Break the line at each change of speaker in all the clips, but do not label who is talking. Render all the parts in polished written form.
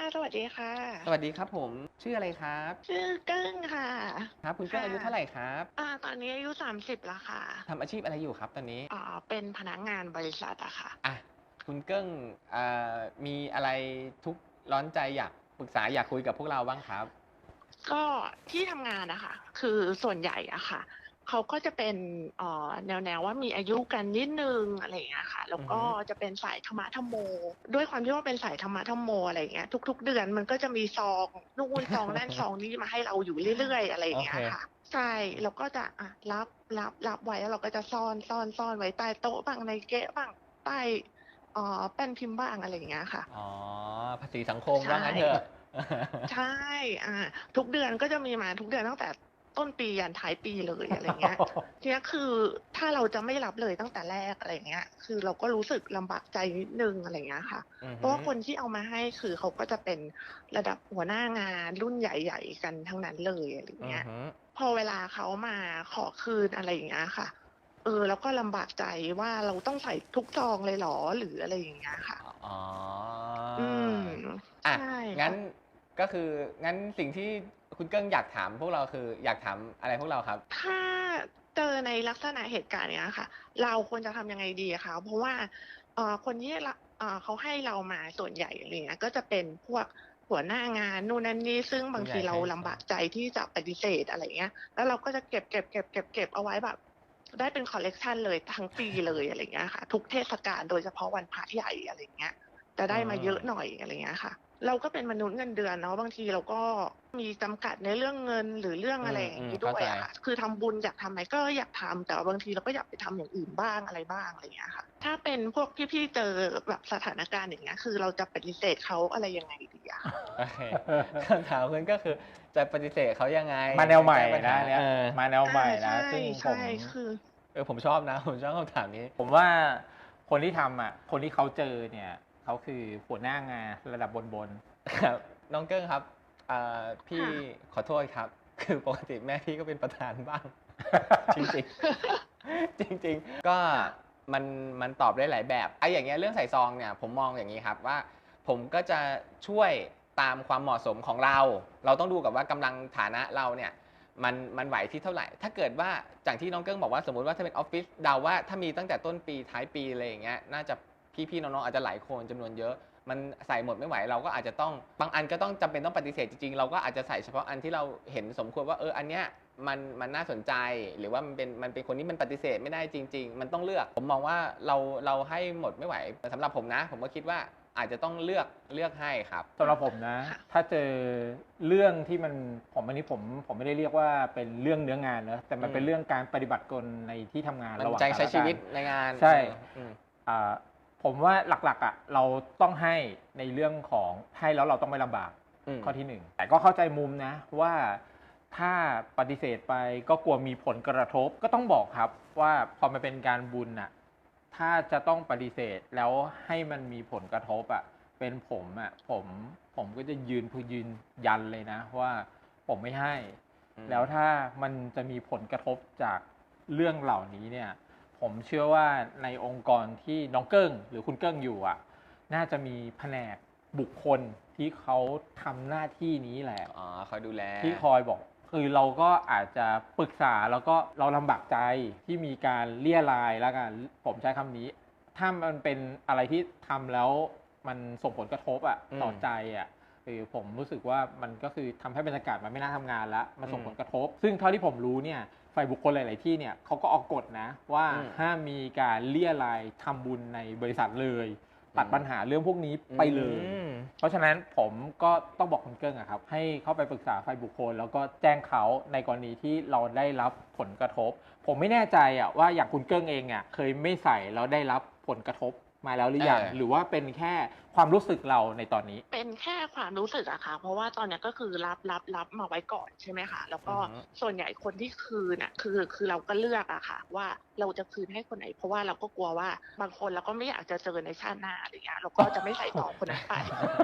สวัสดีค่ะ
สวัสดีครับผมชื่ออะไรครับ
ชื่อเกิ้งค่ะ
ครับคุณเกิ้ง
ค่ะ
อายุเท่าไหร่ครับ
ตอนนี้อายุ30แล้วค่ะ
ทำอาชีพอะไรอยู่ครับตอนนี้
เป็นพนักงานบริษัทอะค่ะ
อ่ะคุณเกิ้งอ่ามีอะไรทุกข์ร้อนใจอยากปรึกษาอยากคุยกับพวกเราบ้างครับ
ก็ที่ทำงานอะค่ะคือส่วนใหญ่อะค่ะเขาก็จะเป็นแนวว่ามีอายุกันนิดหนึ่งอะไรอย่างเงี้ยค่ะแล้วก็
อือฮึ
จะเป็นสายธรรมะธัมโมด้วยความที่ว่าเป็นสายธรรมะธัมโมอะไรอย่างเงี้ยทุกๆเดือนมันก็จะมีซองนู่นซองนั่นซองนี่มาให้เราอยู่เรื่อยๆอะไรอ
โอ
ย่าง
เค
เงี้ยค่ะใช่เราก็จะรับไว้แล้วเราก็จะซ่อนไว้ใต้โต๊ะบ้างในเก๊ะบ้างใต้แป้นพิมพ์บ้างอะไรอย่างเงี้ยค่ะ
อ๋อภาษีสังคม
ใช่
ว่างั้นเถอะ
ใช่อาทุกเดือนก็จะมีมาทุกเดือนตั้งแต่ต้นปียันท้ายปีเลยอะไรเงี้ยทีเนี้ยคือถ้าเราจะไม่รับเลยตั้งแต่แรกอะไรเงี้ยคือเราก็รู้สึกลำบากใจนิดหนึ่งอะไรเงี้ยค่ะ
อือฮึ
เพราะว่าคนที่เอามาให้คือเขาก็จะเป็นระดับหัวหน้างานรุ่นใหญ่ๆกันทั้งนั้นเลยอะไรเงี้ย
อือฮึ
พอเวลาเขามาขอคืนอะไรอย่างเงี้ยค่ะเราก็ลำบากใจว่าเราต้องใส่ทุกซองเลยเหรอหรืออะไรอย่างเงี้ยค่ะ
อ๋อ
อืม
อะ
ใช่
งั้น
ค่ะ
ก็คืองั้นสิ่งที่คุณเกิ้งอยากถามพวกเราคืออยากถามอะไรพวกเราครับ
ถ้าเจอในลักษณะเหตุการณ์เนี้ยค่ะเราควรจะทำยังไงดีอะคะเพราะว่าคนที่เขาให้เรามาส่วนใหญ่อะไรเงี้ยก็จะเป็นพวกหัวหน้างานนู่นนั่นนี่ซึ่งบางทีเรา
ผู้ใหญ่ให้
ลำบากใจที่จะปฏิเสธอะไรเงี้ยแล้วเราก็จะเก็บเอาไว้แบบได้เป็นคอลเลกชันเลยทั้งปีเลยอะไรเงี้ยค่ะทุกเทศกาลโดยเฉพาะวันพระใหญ่อะไรเงี้ยจะ
อื
ได้มาเยอะห
ม
น่อยอะไรเงี้ยค่ะ เราก็เป็นมนุษย์เงินเดือนเนาะบางทีเราก็มีจำกัดในเรื่องเงินหรือเรื่อง
อื
อะไรอย่างงี้ด้
มเข้าใจ
วยอะค่ะคือทำบุญอยากทำไหมก็อยากทำแต่ว่าบางทีเราก็อยากไปทำอย่างอื่นบ้างอะไรบ้างอะไรอย่างเงี้ยค่ะถ้าเป็นพวกพี่ๆเจอแบบสถานการณ์อย่างเงี้ยคือเราจะปฏิเสธเขาอะไรยังไงดีอะคะ
โอเคคำถามคุณก็คือจะปฏิเสธเขายังไง
มาแนวใหม่
แก้ปัญหา
นะเนี่ยมาแนวใหม่นะ
ใช่
ซึ่งผ
ใช่
ม
คือ
ผมชอบนะผมชอบคำถามนี้
ผมว่าคนที่ทำอ่ะคนที่เขาเจอเนี่ยเขาคือหัวหน้างานระดับบน
ครับน้องเกิ้งครับพี่
ค่ะ
ขอโทษครับคือปกติแม่พี่ก็เป็นประธานบ้างจริงๆจริงๆก็
ค่ะ
มันมันตอบได้หลายแบบไอ้อย่างเงี้ยเรื่องใส่ซองเนี่ยผมมองอย่างนี้ครับว่าผมก็จะช่วยตามความเหมาะสมของเราเราต้องดูกับว่ากำลังฐานะเราเนี่ยมันไหวที่เท่าไหร่ถ้าเกิดว่าจากที่น้องเกิ้งบอกว่าสมมุติว่าถ้าเป็นออฟฟิศเดาว่าถ้ามีตั้งแต่ต้นปีท้ายปีอะไรอย่างเงี้ยน่าจะพี่ๆน้องๆอาจจะหลายคนจำนวนเยอะ มันใส่หมดไม่ไหวเราก็อาจจะต้องบางอันก็ต้องจำเป็นต้องปฏิเสธจริงๆเราก็อาจจะใส่เฉพาะอันที่เราเห็นสมควรว่าอันเนี้ยมันน่าสนใจหรือว่ามันเป็นคนที่มันปฏิเสธไม่ได้จริงๆมันต้องเลือกผมมองว่าเราให้หมดไม่ไหวสำหรับผมนะผมก็คิดว่าอาจจะต้องเลือกให้ครับ
ๆสำหรับผมนะ
ค่ะ
ถ้าเจอเรื่องที่มันอันนี้ผมไม่ได้เรียกว่าเป็นเรื่องเนื้องานนะแต่มันเป็นเรื่องการปฏิบัติกลในที่ทำงาน
มัน
ระหว่าง
ใจ
กัน
ใช้ชีวิต
และกัน
ในงาน
ใช่
อืม
อ่าผมว่าหลักๆอ่ะเราต้องให้ในเรื่องของให้แล้วเราต้องไม่ลำบากข้อที่หนึ่งแต่ก็เข้าใจมุมนะว่าถ้าปฏิเสธไปก็กลัวมีผลกระทบก็ต้องบอกครับว่าพอมันเป็นการบุญอ่ะถ้าจะต้องปฏิเสธแล้วให้มันมีผลกระทบอ่ะเป็นผมอ่ะผมก็จะยืนยันเลยนะว่าผมไม่ให้แล้วถ้ามันจะมีผลกระทบจากเรื่องเหล่านี้เนี่ยผมเชื่อว่าในองค์กรที่น้องเกิ้งหรือคุณเกิ้งอยู่อ่ะน่าจะมีแผนกบุคคลที่เขาทำหน้าที่นี้แหละ
อ๋อคอยดูแล
ที่คอยบอกคือเราก็อาจจะปรึกษาแล้วก็เราลำบากใจที่มีการเลี่ยรายแล้วกันผมใช้คำนี้ ถ้ามันเป็นอะไรที่ทำแล้วมันส่งผลกระทบต่อใจคือผมรู้สึกว่ามันก็คือทำให้บรรยากาศมันไม่น่าทำงานแล้วมันส่งผลกระทบ ซึ่งเท่าที่ผมรู้เนี่ยฝ่ายบุคคลหลาย ๆ ที่เนี่ยเขาก็ออกกฎนะว่าห้ามมีการเลี่ยรายทำบุญในบริษัทเลยตัดปัญหาเรื่องพวกนี้ไปเลย เพราะฉะนั้นผมก็ต้องบอกคุณเกิ้งครับให้เข้าไปปรึกษาฝ่ายบุคคลแล้วก็แจ้งเขาในกรณีที่เราได้รับผลกระทบผมไม่แน่ใจว่าอย่างคุณเกิ้งเองเคยไม่ใส่แล้วได้รับผลกระทบมาแล้วหรือยังหรือว่าเป็นแค่ความรู้สึกเราในตอนนี้
เป็นแค่ความรู้สึกอะค่ะเพราะว่าตอนเนี้ยก็คือรับมาไว้ก่อนใช่ไหมคะแล้วก็
อือฮึ
ส่วนใหญ่คนที่คืนน่ะคือเราก็เลือกอะค่ะว่าเราจะคืนให้คนไหนเพราะว่าเราก็กลัวว่าบางคนเราก็ไม่อยากจะเจอในชาติหน้าอะไรเงี้ยเราก็จะไม่ใส่ซองคนนั้นไป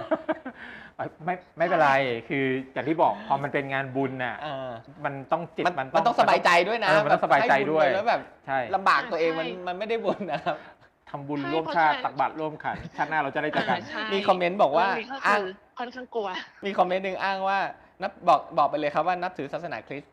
ไม่เป็นไรคืออย่างที่บอกพอมันเป็นงานบุญมันต้องจิต
มันต้องสบายใจด้วยนะ
มันต้องสบายใจด้วย
ให้บุญไปแล้วแบบ
ใช่
ลำบากตัวเอง
ใช่
มันไม่ได้บุญนะครับ
ำบุญ
ใช่
ร่วม
เพราะ
ชาติ
ฉะนั้น
ตักบาตรร่วมขันชาติหน้าเราจะได้เจอกัน
ใช่
มีคอมเมนต์บอกว่า
เรื่องนี้ก็
อ้า
คื
ง
อค่อนข้างกลัว
มีคอมเมนต์หนึ่งอ้างว่านับบอกไปเลยครับว่านับถือศาสนาคริสต์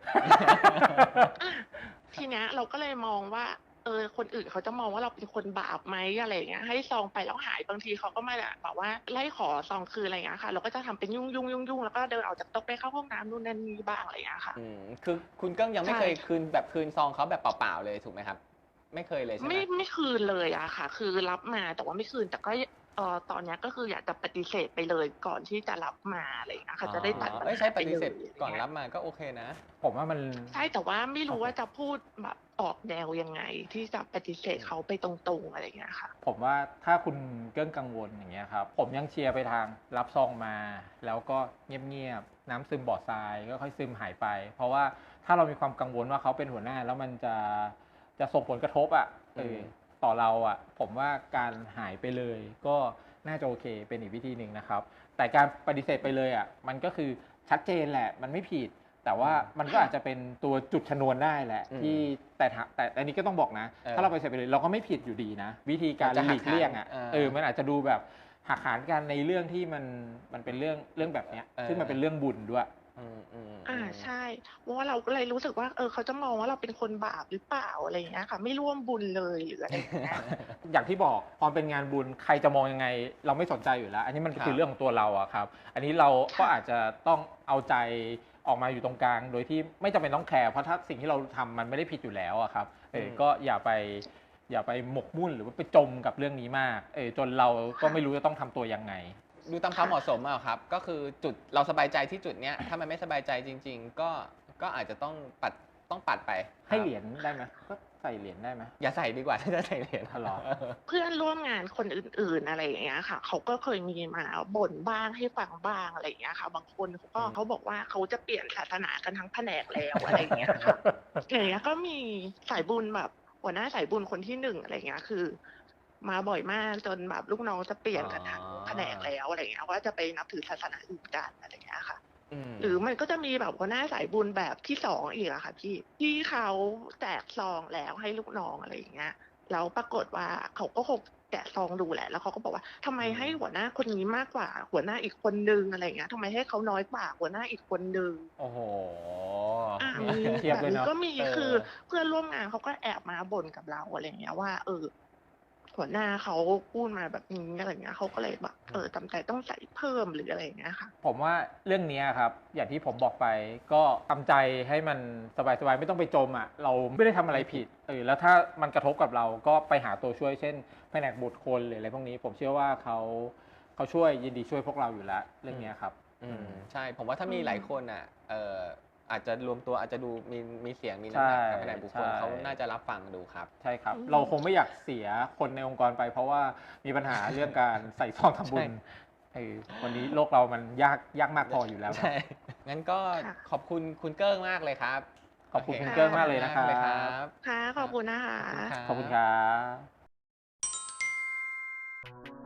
ทีเนี้ยเราก็เลยมองว่าคนอื่นเขาจะมองว่าเราเป็นคนบาปไหมอะไรอย่างเงี้ยให้ซองไปแล้วหายบางทีเขาก็มาแบบว่าไล่ขอซองคืนอะไรอย่างเงี้ยค่ะ เราก็จะทำเป็นยุ่งแล้วก็เดินออกจากโต๊ะไปเข้าห้องน้ำนู่นนั่นนี่บ้างอะไรอย่างเงี้ยค่ะ
คือคุณเกิ้งยังไม่
ใช่
เคยคืนซองเขาแบบเปล่าๆเลยถูกไหมครับ ไม่เคยเลยใช่ไหม
ไม่คืนเลยอะค่ะ คือรับมาแต่ว่าไม่คืนแต่ก็ตอนเนี้ยก็คืออยากจะปฏิเสธไปเลยก่อนที่จะรับมาอะไรอย่างเงี้ยค่ะจะได้ตัดปัญ
เอ้ย
หา
ใช้ป
ไป
ฏิ
เล
เส
ย
ธก่อนรับมาก็โอเคนะ
ผมว่ามัน
ใช่แต่ว่าไม่รู้ว่าจะพูดแบบออกแนวยังไง ที่จะปฏิเสธเขาไปตรงๆอะไรอย่างเงี้ยค่ะ
ผมว่าถ้าคุณเกิ้งกังวลอย่างเงี้ยครับผมยังเชียร์ไปทางรับซองมา แล้วก็เงียบๆน้ำซึมบ่อทรายก็ค่อยซึมหายไป เพราะว่าถ้าเรามีความกังวลว่าเขาเป็นหัวหน้าแล้วมันจะส่งผลกระทบอ่ะต่อเราอ่ะผมว่าการหายไปเลยก็น่าจะโอเคเป็นอีกวิธีหนึ่งนะครับ แต่การปฏิเสธไปเลยอ่ะมันก็คือชัดเจนแหละมันไม่ผิด แต่ว่ามันก็อาจจะเป็นตัวจุดชนวนได้แหละที่แต่อันนี้ก็ต้องบอกนะ ถ้าเราปฏิเสธไปเลยเราก็ไม่ผิดอยู่ดีนะ วิธีการหลีกเลี่ยงอ่ะมันอาจจะดูแบบหักหานกันในเรื่องที่มันเป็นเรื่องแบบเนี้ยซึ่งมันเป็นเรื่องบุญด้วย
ใช่เพราะว่าเราก็เลยรู้สึกว่าเขาจะมองว่าเราเป็นคนบาปหรือเปล่าอะไรอย่างเงี้ยค่ะ ไม่ร่วมบุญเลยหรืออะไรอย่างเงี้ย
อย่างที่บอกพอเป็นงานบุญใครจะมองยังไง เราไม่สนใจอยู่แล้ว อันนี้มันคือเรื่องของตัวเราอะครับ อันนี้เราก็อาจจะต้องเอาใจออกมาอยู่ตรงกลาง โดยที่ไม่จำเป็นต้องแคร์เพราะถ้าสิ่งที่เราทำมันไม่ได้ผิดอยู่แล้วอะครับก็อย่าไปหมกมุ่นหรือว่าไปจมกับเรื่องนี้มากจนเราก็ไม่รู้จะต้องทำตัวยังไง
ดูตามความเหมาะสมอะครับ ก็คือจุดเราสบายใจที่จุดเนี้ยถ้ามันไม่สบายใจจริง ๆ ก็อาจจะต้องปัดไป
ให้เหรียญได้ไหมก็ใส่เหรียญได้ไหม
อย่าใส่ดีกว่าถ้าจะใส่เหรียญ
อ๋อเหรอ
เพื่อนร่วมงานคนอื่นๆอะไรอย่างเงี้ยค่ะเขาก็เคยมีมาบ่นบ้างให้ฟังบ้างอะไรอย่างเงี้ยค่ะ บางคนเขาบอกว่าเขาจะเปลี่ยนศาสนากันทั้งแผนกแล้วอะไรอย่างเงี้ยค่ะอย่างเงี้ยก็มีสายบุญแบบหัวหน้าสายบุญคนที่1อะไรอย่างเงี้ยคือ มาบ่อยมากจนแบบลูกน้องจะเปลี่ยนกันทั้งแผนกแล้วอะไรอย่างเงี้ยว่าจะไปนับถือศาสนาอื่นกันอะไรอย่างเงี้ยค่ะ หรือมันก็จะมีแบบหัวหน้าสายบุญแบบที่2อีกอะค่ะที่เขาแจกซองแล้วให้ลูกน้องอะไรอย่างเงี้ยแล้วปรากฏว่าเขาก็คงแกะซองดูแหละแล้วเขาก็บอกว่าทำไมให้หัวหน้าคนนี้มากกว่าหัวหน้าอีกคนนึงอะไรอย่างเงี้ยทำไมให้เขาน้อยกว่าหัวหน้าอีกคนนึง
โอ้โห
มี
เทียบ
แบบ
เลย
นี้
เนาะ
ก็มีคือเพื่อนร่วมงานเขาก็แอบมาบ่นกับเราอะไรอย่างเงี้ยว่าหัวหน้าเขาพูดมาแบบนี้อะไรเงี้ยเขาก็เลยแบบจำใจต้องใส่เพิ่มหรืออะไรอย่างเงี้ยค่ะ
ผมว่าเรื่องนี้ครับอย่างที่ผมบอกไปก็ทำใจให้มันสบายๆไม่ต้องไปจมอ่ะเราไม่ได้ทำอะไรผิดแล้วถ้ามันกระทบกับเราก็ไปหาตัวช่วยเช่นแผนกบุตรคนหรืออะไรพวกนี้ผมเชื่อว่าเขาช่วยยินดีช่วยพวกเราอยู่แล้วเรื่องนี้ครับ
ใช่ผมว่าถ้ามีหลายคนอ่ะอาจจะรวมตัวอาจจะดูมีเสียงมีน้ำหนักกับแผนกบุคคลเขาน่าจะรับฟังดูครับ
ใช่ครับ เราคงไม่อยากเสียคนในองค์กรไป เพราะว่ามีปัญหาเรื่องการใส่ซองทำบุญวันนี้โลกเรามันยากมากพออยู่แล้ว
ใช่งั้นก็ขอบคุณคุณเกิ้งมากเลยครับ
ขอบคุณคุณเกิ้งมากเลยนะครับ
ค่ะขอบคุณนะคะ
ขอบคุณครับ